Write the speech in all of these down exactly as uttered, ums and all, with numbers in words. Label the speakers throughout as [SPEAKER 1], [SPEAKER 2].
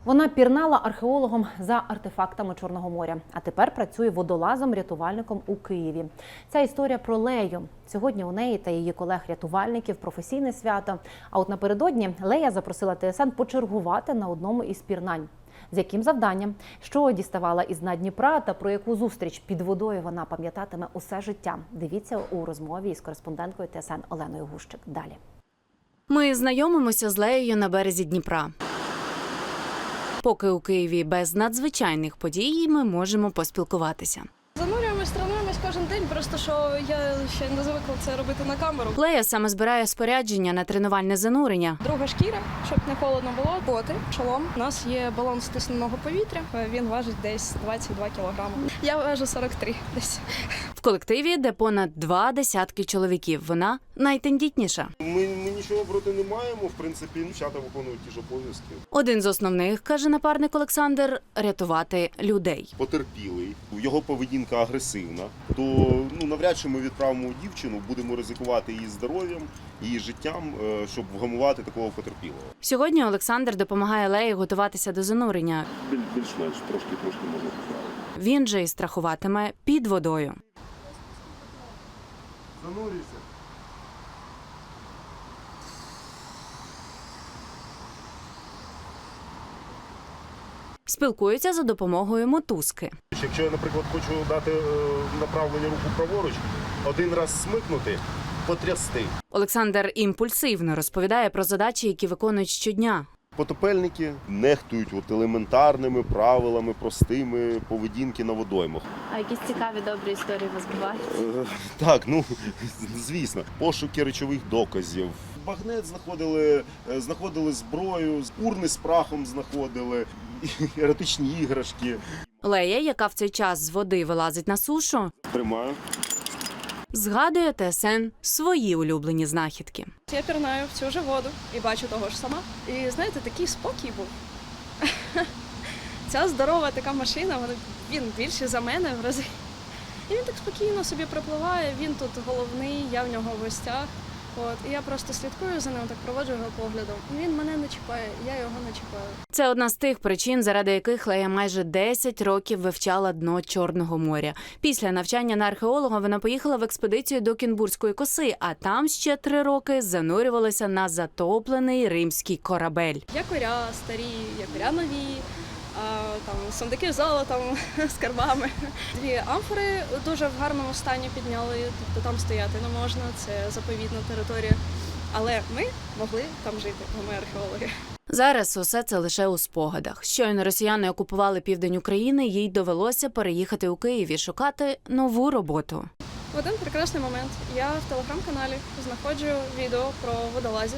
[SPEAKER 1] Вона пірнала археологом за артефактами Чорного моря, а тепер працює водолазом-рятувальником у Києві. Ця історія про Лею. Сьогодні у неї та її колег-рятувальників професійне свято. А от напередодні Лея запросила ТСН почергувати на одному із пірнань. З яким завданням, що діставала із дна Дніпра та про яку зустріч під водою вона пам'ятатиме усе життя. Дивіться у розмові із кореспонденткою ТСН Оленою Гущик. Далі.
[SPEAKER 2] Ми знайомимося з Леєю на березі Дніпра. Поки у Києві без надзвичайних подій, ми можемо поспілкуватися.
[SPEAKER 3] Занурюємось, тренуємось кожен день, просто що я ще не звикла це робити на камеру.
[SPEAKER 2] Лея саме збирає спорядження на тренувальне занурення.
[SPEAKER 3] Друга шкіра, щоб не холодно було, боти, шолом. У нас є балон стисненого повітря, він важить десь двадцять два кілограми. Я важу сорок три десь.
[SPEAKER 2] В колективі, де понад два десятки чоловіків, вона найтендітніша.
[SPEAKER 4] Ми, ми нічого проти не маємо, в принципі, дівчата виконують ті ж обов'язки.
[SPEAKER 2] Один з основних, каже напарник Олександр, рятувати людей.
[SPEAKER 4] Потерпілий, його поведінка агресивна, то ну, навряд чи ми відправимо дівчину, будемо ризикувати її здоров'ям, її життям, щоб вгамувати такого потерпілого.
[SPEAKER 2] Сьогодні Олександр допомагає Леї готуватися до занурення.
[SPEAKER 4] Більш-менш, трошки-трошки можна поправити.
[SPEAKER 2] Він же і страхуватиме під водою.
[SPEAKER 4] Занурюйся.
[SPEAKER 2] Спілкуються за допомогою мотузки.
[SPEAKER 4] Якщо я, наприклад, хочу дати направлення руку праворуч, один раз смикнути, потрясти.
[SPEAKER 2] Олександр імпульсивно розповідає про задачі, які виконують щодня.
[SPEAKER 4] Потопельники нехтують от елементарними правилами, простими поведінки на водоймах.
[SPEAKER 5] А якісь цікаві, добрі історії у вас бувають?
[SPEAKER 4] Е, Так, ну, звісно. Пошуки речових доказів. Багнет знаходили, е, знаходили зброю, урни з прахом знаходили, еротичні іграшки.
[SPEAKER 2] Лея, яка в цей час з води вилазить на сушу,
[SPEAKER 4] Тримаю.
[SPEAKER 2] згадує ТСН свої улюблені знахідки.
[SPEAKER 3] Я пірнаю в цю ж воду і бачу того ж сама. І знаєте, такий спокій був. Ця здорова така машина, вона, він більший за мене в рази. І він так спокійно собі припливає, він тут головний, я в нього в гостях. От, і я просто слідкую за ним, так проводжу його поглядом. Він мене не чіпає, я його не чіпаю.
[SPEAKER 2] Це одна з тих причин, заради яких Лея майже десять років вивчала дно Чорного моря. Після навчання на археолога вона поїхала в експедицію до Кінбурзької коси, а там ще три роки занурювалася на затоплений римський корабель.
[SPEAKER 3] Якоря старі, якоря нові, а, там сундуки з золотом, з карбами. Дві амфори дуже в гарному стані підняли, тобто там стояти не можна, це заповідна територія. Але ми могли там жити, бо ми археологи.
[SPEAKER 2] Зараз усе це лише у спогадах. Щойно росіяни окупували південь України, їй довелося переїхати у Київ і шукати нову роботу.
[SPEAKER 3] В один прекрасний момент я в телеграм-каналі знаходжу відео про водолазів.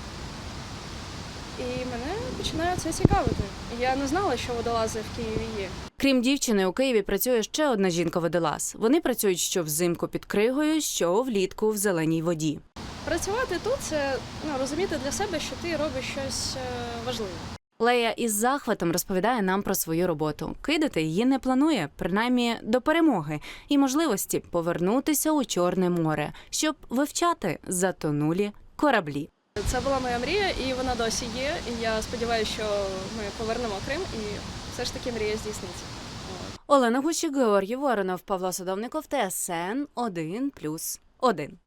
[SPEAKER 3] І мене починає це цікавити. Я не знала, що водолази в Києві є.
[SPEAKER 2] Крім дівчини, у Києві працює ще одна жінка-водолаз. Вони працюють що взимку під кригою, що влітку в зеленій воді.
[SPEAKER 3] Працювати тут – це ну, розуміти для себе, що ти робиш щось е, важливе.
[SPEAKER 2] Лея із захватом розповідає нам про свою роботу. Кидати її не планує, принаймні до перемоги, і можливості повернутися у Чорне море, щоб вивчати затонулі кораблі.
[SPEAKER 3] Це була моя мрія, і вона досі є. І я сподіваюся, що ми повернемо Крим, і все ж таки мрія здійсниться.
[SPEAKER 2] Олена Гущик, Георгій Воронов, Павло Садовников, ТСН один плюс один.